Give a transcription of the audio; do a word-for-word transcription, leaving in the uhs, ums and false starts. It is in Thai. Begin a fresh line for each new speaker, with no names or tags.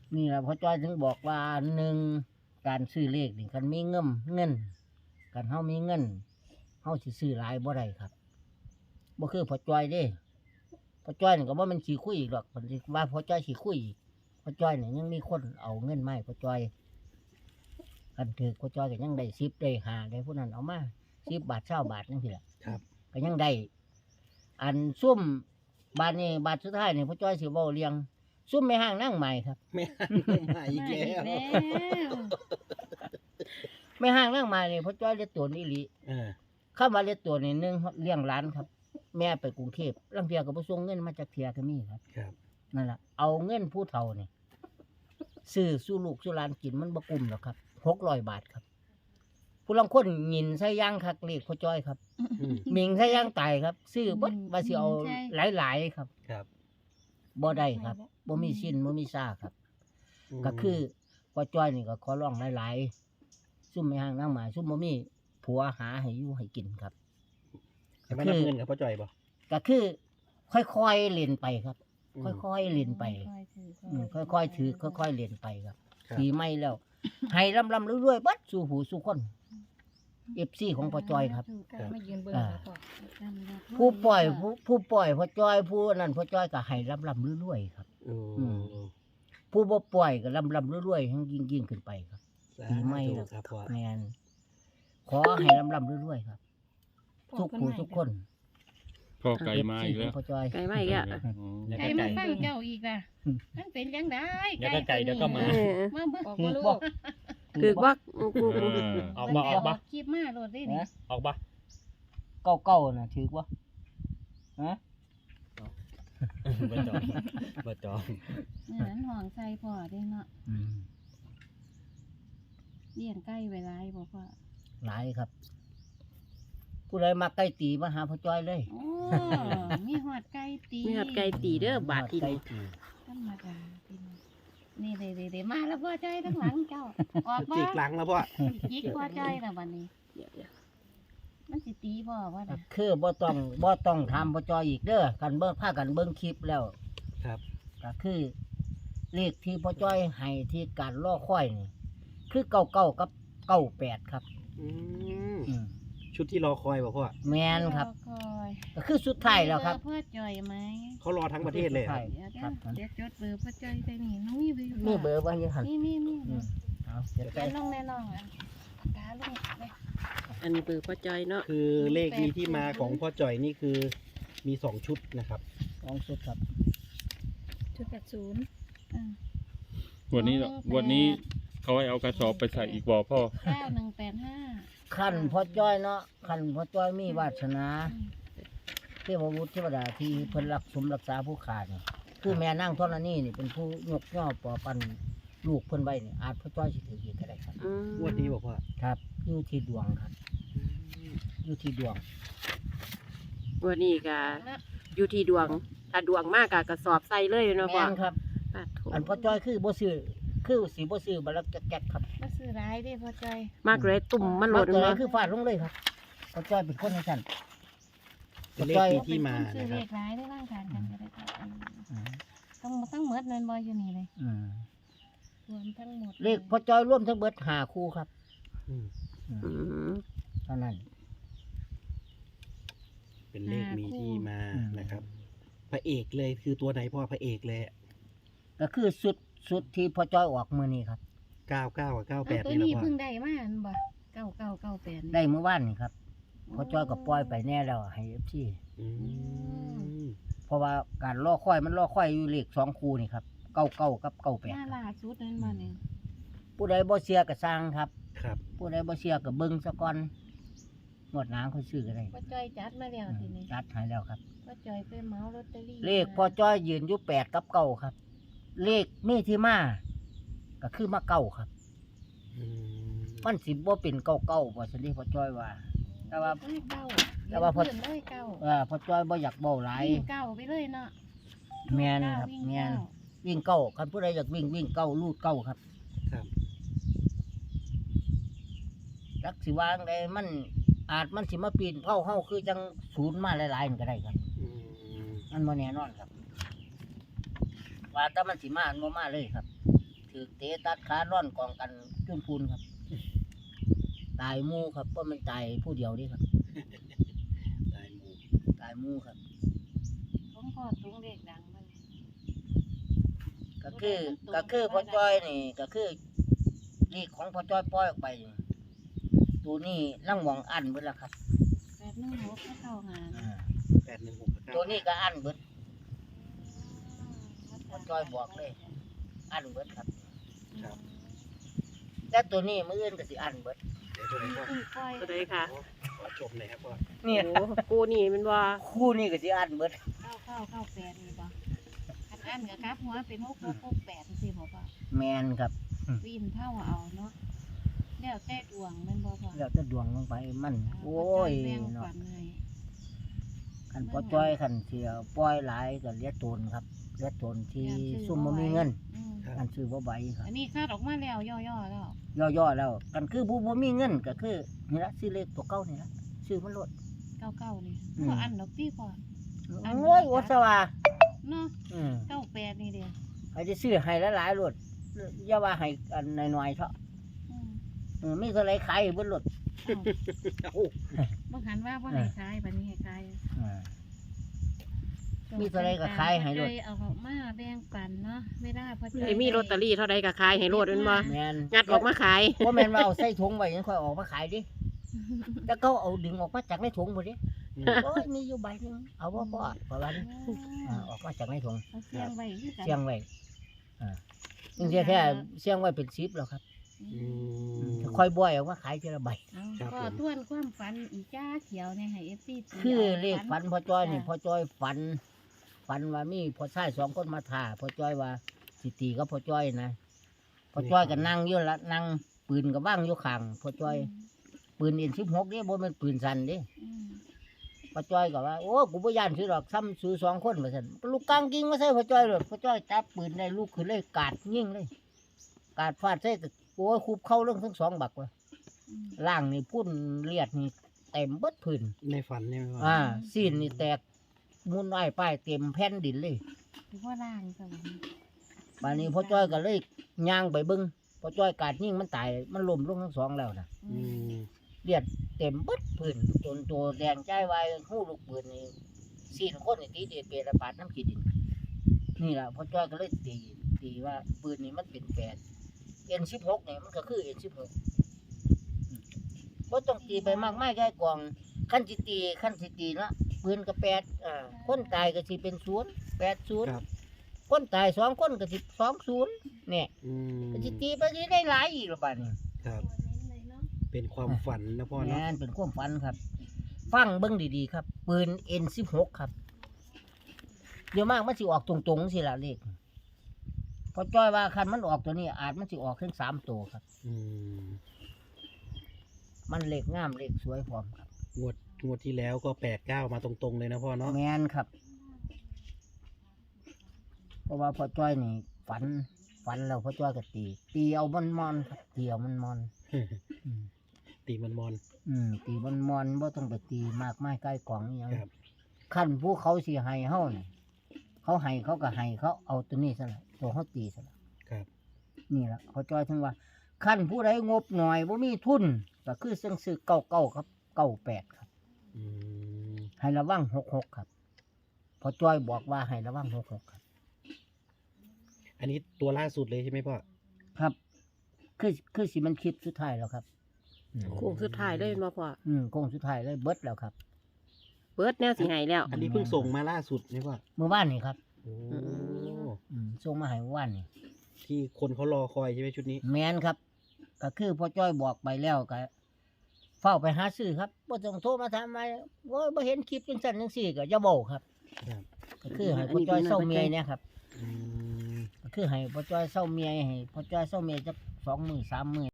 นี่แหละพ่อจ้อยถึงบอกว่าหนึ่งการซื้อเลขนี่คันมีเงินเงินกันเฮามีเงินเฮาสิซื้อหลายบ่ได้ครับบ่คือพ่อจ้อยเด้พ่อจ้อยนี่ก็บ่แม่นสิคุยอีกดอกเพิ่นสิว่าพ่อจ้อยสิคุยอีกพ่อจ้อยนี่ยังมีคนเอาเงินมาให้พ่อจ้อยคันถือพ่อจ้อยก็ยังได้สิบได้ห้าได้ผู้นั้นเอามาสิบบาทเก้าบาทจังซี่ล่ะ
ครับ
ก็ยังได้อันซุ่มบาทนี้บาทสุดท้ายนี่พ่อจ้อยสิเว้าเรียงซุ่มแม่ห้างนั่งใหม่ครับ
ไม่มาอีกแล้ว
แม่ห้างนั่งใหม่นี่พ่อจ้อยเรียกตัวนี่ลี
อ่า
เข้ามาเรียกตัวนี่หนึงเลี้ยงร้านครับ แม่ไปกรุงเทพลังเทียก็บ่ส่งเงินมาจากเทียก็มีครับ
ครับ
นั่นล่ะเอาเงินผู้เฒ่านี่ซื้อสู้ลูกสู้หลานกินมันบ่กุ้มหรอกครับหกร้อยบาทครับผู้ลางคนหยินใส่ย่างคักเลขพ่อจ้อยครับ
อืม
หมิงใส่ย่างตายครับ ซื้อเบิดว่าสิเอาหลายๆครับ
ครับ
บ่ได้ครับบ่มีสิ้นบ่มีซ่าครับ ก็คือพ่อจ้อยนี่ก็ขอร้องหลายๆซุ่มไม่ห่างนั่งหมาซุ่มบ่มีผัวหาให้อยู่ให้กินครับ
จะไม่นับเงินกับพ่อจ่อยบ่
ก็คือค่อยๆเล่นไปครับ
อืม
ค่อยๆเล่นไปอืมค่อยๆถือค่อยๆเล่นไปครับ
ครับ
ปีใหม่แล้ว ให้ลำๆเรื่อยๆเบัดสู่หูสู่คน เอฟ ซี ของพ่อจ้อยครับ
มายืนเบิ่ง
อ่า
แล้วก็
ผู้ปล่อยผู้ผู้ปล่อยพ่อจ้อยผู้นั้นพ่อจ้อยก็ให้ลำๆเรื่อยๆครับ
อื
อื
ม
ม ผู้บ่ปล่อยก็ลำๆเรื่อยๆให้ยิ่งๆขึ้นไปครับ
สา
ปีใหม่
ธุ
แล้ว
ครับพ่อ
แมนขอให้ลำๆเรื่อยๆครับ ทุกผู้ทุกคน
พ่อไก่มาอีกแล้ว
พ่อจ้อย
ไกลมาอีกอ่ะ
อ๋อ
แล้ว
ไก่
ก็
มา
ไก่
ฟังเจ้าอีกล่ะมันเป็นยังไง
เดี๋ยวก็ไก่เดี๋ยวก็หมา
เออ
มาเบิ่ง
ถือ
ลู
บ่
ก
ถือว่ากู
เออ
ออกบ่ออกบ่
คลิปมาโลดได้นี่
นะ
ออกบ่
เก่าๆน่ะถือบ่ฮะ
บ่จองบ่จอง
เออนั้นห่องใส่พ่อได้เนาะ
อืม
เลี้ยงไก่ไว้หลายบ่พ่อ
หลายครับ ผู้ใดมาใกล้ตีมาหาพ่อจ้อยเลย
โอ้มีหอดไก่ตี
มีหัดไก่ตีเด้อบาทที่
ใกล้
นี่
ตี
ธรรมดาพี่น้องนี่เด้ๆๆมาแล้วพ่อจ้อยทั้งหลังเจ้าออกมา
จิกหลังแล้วพ่อ
จิกพ่อจ้อยแล้วบัดนี้
เดี๋ยวเดี๋ยว
มันสิตีพ่อว่าน่ะ
คือบ่ต้องบ่ต้องทำพ่อจ้อยอีกเด้อกันเบิ่งพากันเบิ่งคลิปแล้ว
ครับ
ก็คือเลขที่พ่อจ้อยให้ที่การล่อค่อยนี่คือเก้าเก้ากับเก้าแปดครับ
อืม
อืม
ชุดที่รอคอยบ่พ่อ
แมนครับ
คอย
ก็คือสุดท้ายแล้วครับ
เพ่อจ้อยไหม
เขารอทั้งประเทศเลยเหรอ
ใช่
เดี๋ยว
ครับ
เดี๋ยวจดเบอร์พ่อจ้อยใส่นี่น้องมีเบอร์อยู่
มีเบอร์บ่ยังหัน
มีมีมี
อืมเอาเดี๋ยว
เขี
ไป
ยนลงแน่นอนอ่ะปากกาลงเลย
อันนี้เบอร์พ่อจอยเนาะ
คือเลขมีที่มาของพ่อจ่อยนี่คือมีสองชุดนะครับ
ลองสุดครับ
ชุดแปดศูนย์อ่า
วันนี้วันนี้เขาให้เอากระสอบไปใส่อีกบ่อพ่อ
เก้าหนึ่งแปดห้า
ขั้นพ่อจ้อยเนาะขั้นพ่อจ้อยมีวาสนา
อืม
เทพบุตรเทวดาที่เพิ่นรักสมรักษาผู้ขาดนี่คือแม่นั่งท่อนนี้นี่เป็นผู้ยกย่อปอปันลูกเพิ่นไว้นี่อาจพ่อจ้อยสิถืออีกก็ได้ครับ
อืม
งวดนี้บอกพ่อ
ครับอยู่ที่ดวงครับอยู่ที่ดวง
วันนี้ก็อยู่ที่ดวงถ้าดวงมากก็กระสอบใส่เลยเนาะพ่อ
แม่นครับ
ปาดโถ
อันพ่อจ้อยคือบ่ซื้อคือสิบ่ซื้อบัลลักแก๊กครับ
มาซื้อร้ายได้พ่อจ้อย
มากเลยตุ่มมันห
มา
ล่น
เกิด
เนาะ
คือฟาดลงเลยครับพ่อจ้อยเป็นคนให้สั่น
เป็นเลขมีที่มา
ซื้อ
นะค
เล
รับ
ขร้ายได้ร่างทานกันก็ได้ครับอืม
อืม
ต้องต้องเมิดเงินบอยอยู่นี่เลย
อืม
รวมทั้งหมด
เลขพ่อจ้อยร่วมทั้งเบิดห้าคู่ครับ
อืม
อืม
อืม
เท่านั้น
เป็นเลขมีที่มานะครับ พระเอกเลยคือตัวไหนพ่อพระเอกเลย
ก็คือสุดสุดที่พ่อจ้อยออกมื้อนี้ครับ
เก้าเก้ากับเก้าแป
เอา
ด
ตัว
นี่แหละ
นี้
พ่อ
เพิ่งได้มาอันบ่เก้าเก้าเก้าแปด
ได้เมื่อวานนี่ครับพ่อจ้อยก็ปล่อยไปแน่แล้วให้ เอฟ ซี
อืม
เพราะว่าการล่อค่อยมันล่อค่อยอยู่เลขสองคู่นี่ครับเก้าเก้ากับเก้าแปด
หน้าล่าสุดนั่นมาเนี่ย
ผู้ใดบ่เสียก็สร้างครับ
ครับ
ผู้ใดบ่เสียก็เบิ่งซะก่อนงวดหน้าค่อยซื้อก็ได้
พ่อจ้อยจัดมาแล้วทีนี้
จัดให้แล้วครับ
พ่อจ้อยไปเหมาลอตเตอรี่
เลขพ่อจ้อยยืนอยู่แปดกับเก้าครับ เลขมีที่มาก็คือมาเก้าครับ
อืม
มันสิบ่เป็นเก้าเก้าบ่ซั่นเด้พ่อจ้อยว่า แต่ว่า
เลขเก้า
แต่ว่าพอ
เพิ่นเลยเก้า
เออพ่อจ้อยบ่อยากเว้าหลาย
วิ่งเก้าไปเลยเนาะ
แม่นครับ
วิ่ง
แม่น
เก้า
วิ่งเก้าคันผู้ใดอยากวิ่งวิ่งเก้าลูดเก้าครับ
ครับ
จักสิวางได้มันอาจมันสิมาปีนเผาเฮาคือจังศูนย์มาหลายๆนี่ก็ได้ครับ
อืม
มันบ่แน่นอนครับ ว่าแต่มันสิมามันบ่มาเลยครับถือเตะตัดขาร่อนกองกันจุนพูนครับ ตายหมู่ครับเพราะมันตายผู้เดียวนี่ครับ
ตายหมู่
ตายหมู่ครับ
ผมก็ตุ้งเลขดังมัน
ก็คือก็คือพ่อจ้อยนี่ก็คือนี่ของพ่อจ้อยปล่อยออกไปนี่ตัวนี้ร่างหวงอันเบิดแล้วครับ
แปดหนึ่งหกก็เข้าหา
อ่า
แปดหนึ่งหกกับเก้า
ตัวนี้ก็อันเบิดพ่อจ้อยบอกเลย อันเบิดครับ
ครับ
แต่ตัวนี้มื้ออื่นก็สิอันเบิด
เดี๋ยวตัวไหนพ่อ
ตุ้งก้อย
ตัวใดค่ะ
ขอชมหน่อยครับพ่อ
นี่
โอ้กูนี่มันว่า
คู่นี้ก็สิอันเบิด
เข้าเข้าเข้าแปดนี่บ่อันอันกับครับหัวเป็นหกหกหกแปดสิบ่ป่ะ
แมนครับ
วินเท่าเอาเนาะแล้วแต่ดวงแมันบ่ป่ะ
แล้วจะดวงลงไปมัน โอ้ย
แบ่ง
เนาะ
ฝันให้
คันพ่อจ้อยคันเสียปล่อยหลายก็เหลียโตนครับเหลียโตนที่ซุ่มบ่มีเงิน
อืม
กันซื้อบ่ไหวครับ
อันนี้คาดออกมาแล้วย่อๆแล้ว
ย่อๆแล้วกันคือผู้บ่มีเงินก็คือนี่ละซื้อเลขตัวเก่านี่ละซื้อมันลด
เก้าเก้านี่
อืม
ก็อันดอกตี้ก่อน อัน
โอ้ยโอสว่า
เนาะ
อืม
เก้าแปดนี่เดียว
ให้ได้ซื้อให้หลายๆลดอย่าว่าให้อันน้อยๆเถอะ
อืม
เออมีเท่าไหร่ขายให้เบิดลด
อ้าว
โอ้
บ่หันว่าบ่ให้ขายบัดนี้ให้ขาย
อ่า มีเท่าไรก็ขายให้โลด
ใจเอาออกมาแบ่งปันเนาะไม่ได้เพราะ
ไอ้มีลอตเตอรี่เท่าใดก็ขายให้โลดแมันบ่
แม่น
งัดออกมาขาย
บ่แม่นว่าเอาใส่ถุงไว้ยังค่อยออกมาขายดิแต่เขาเอาดึงออกมาจากในถุงบ่ดิ
อืม
โอ้ยมีอยู่ใบหนึงเอาบ่พอประมาณนี้อ่าออกมาจากในถุง
เอาเสียงไว้คือกัน
เสียงไว้อ่าจริงๆแค่เสียงไว้เป็นสิบแล้วครับ
อืม
ค่อยบ่อยออกมาขายทีละใบ
เอา
ครับ
ก็
ผม
ทวนความฝันอีจ้าเขียวเนี่ยให้ เอฟ ซี ตี
คือ
อา
เลขฝันพ่อจ้อยนี่พ่อจ้อยฝัน ฝันว่ามีพ่อชายสองคนมาถ่าพ่อจ้อยว่าสิตีกับพ่อจ้อยนะพ่อจ้อยก็นั่งอยู่ละนั่งปืนก็ว่างอยู่ข้างพ่อจ้อย ปืนเอ็นสิบหกนี่บ่แม่นปืนสั้นเดิ
อืม
พ่อจ้อยก็ว่าโอ้กูบ่ย่านซื้อดอกซ้ำซื้อสองคนว่าซั่นลูกกลางยิงมาใส่พ่อจ้อยเลยพ่อจ้อยจับปืนได้ลูกขึ้นเลยกาดยิงเลย กาดฟาดใส่ก็โอ้ยคุบเข้าเรื่องทั้งสองบักว่ะ
อืม
ล่างนี่พุ่นเลียดนี่เต็มเบิดพื้น
ในฝันเนี่ยพ่อ
อ่าซีนนี่แตกมุนอ้ายป้ายเต็มแผ่นดินเลย
ถือว่าล่างสวรรค์
บานนี้พ่อจ้อยก็เลยย่างไปเบิ่งพ่อจ้อยกาดยิงมันตายมันล้มลงทั้งสองแล้วนะ
อื
อื
ม
ม
เลียดเต็มเบิดพื้นจนตัวแดงใจวายหู้ลูกปืนนี่ซีนคนนี่ตีเดเประบาดน้ำขี้ดิน นี่ล่ะพ่อจ้อยก็เลยตีตีว่าปืนนี่มันเป็นแปดเอ็นสิบหกเนี่ยมันก็คือเอ็นสิบหกก็ต้องตีไปมากไม่แค่กล่องขั้นสิตีขั้นสิตีเนาะปืนก็แปดอ่าคนตายก็สิเป็นศูนย์แปดศูนย์
ครับ
คนตายสองคนก็สิสองศูนย์เนี่ย
อืม
ก็สิตีไปสิได้หลายอีกละบาดนี้
ครับ
ตัวเน้นเลยเนาะ
เป็นความฝันนะพ่อเนาะ
แม่นเป็นความฝันครับ ฟังเบิ่งดีๆครับ ปืนเอ็นสิบหกครับ เดี๋ยวมากมันสิออกตรงๆสิละเลขพอจ้อยว่าคันมันออกตัวนี้ อาจมันสิออกถึงสามตัวครับ
อืม
มันเลขงามเลขสวยพร้อมครับ
งวดงวดที่แล้วก็แปดเก้ามาตรงๆเลยนะพ่อเนาะ
แมนครับ เพราะว่าพอจ้อยนี่ฝัน ฝันแล้วพอจ้อยก็ตี ตีเอามันมอนครับตีเอามันมอนอืม
ตีมันมอน
อืมตีมันมอนบ่ต้องไปตีมากไม้ใกล้กล่องอหยัง
ครับ
ขั้นผู้เขาสิให้เฮานี่เขาให้เขาก็ให้เขาเอาตัวนี้ซะละตัวเขาตีซะละ
ครับ
นี่ล่ะเขาจ้อยถึงว่าขั้นผู้ใดงบหน่อยบ่มีทุนก็คือซึ่งซื้อเก้าเก้าครับเก้าแปดครับ
อืม
ให้ระวังหกหกครับพอจ้อยบอกว่าให้ระวังหกหกครับ
อันนี้ตัวล่าสุดเลยใช่ไหมพ่อ
ครับ คือคือสิมันคลิปสุดท้ายแล้วครับอืม
โค้งสุดท้ายเลยมาพ่อ
อืมโค้งสุดท้ายเลยเบิดแล้วครับ
เบิดแนวสิให้แล้ว
อันนี้เพิ่งส่งมาล่าสุดไหมพ่อ
เมื่อวานนี่ครับ
โอ้
อืมส่งมาให้เมื่อวานนี่
ที่คนเขารอคอยใช่ไหมชุดนี้
แมนครับ ก็คือพ่อจ้อยบอกไปแล้วก็เฝ้าไปหาซื้อครับบ่ต้องโทรมาถามมาว่าบ่เห็นคลิปจังซั่นจังซี่ก็อย่าเว้าครับ
ครับ
ก็คือให้พ่อจ้อยเศร้าเมียเนี่ยครับ
อืม
ก็คือให้พ่อจ้อยเศร้าเมียให้พ่อจ้อยเศร้าเมียจักสองมื้อสามมื้อ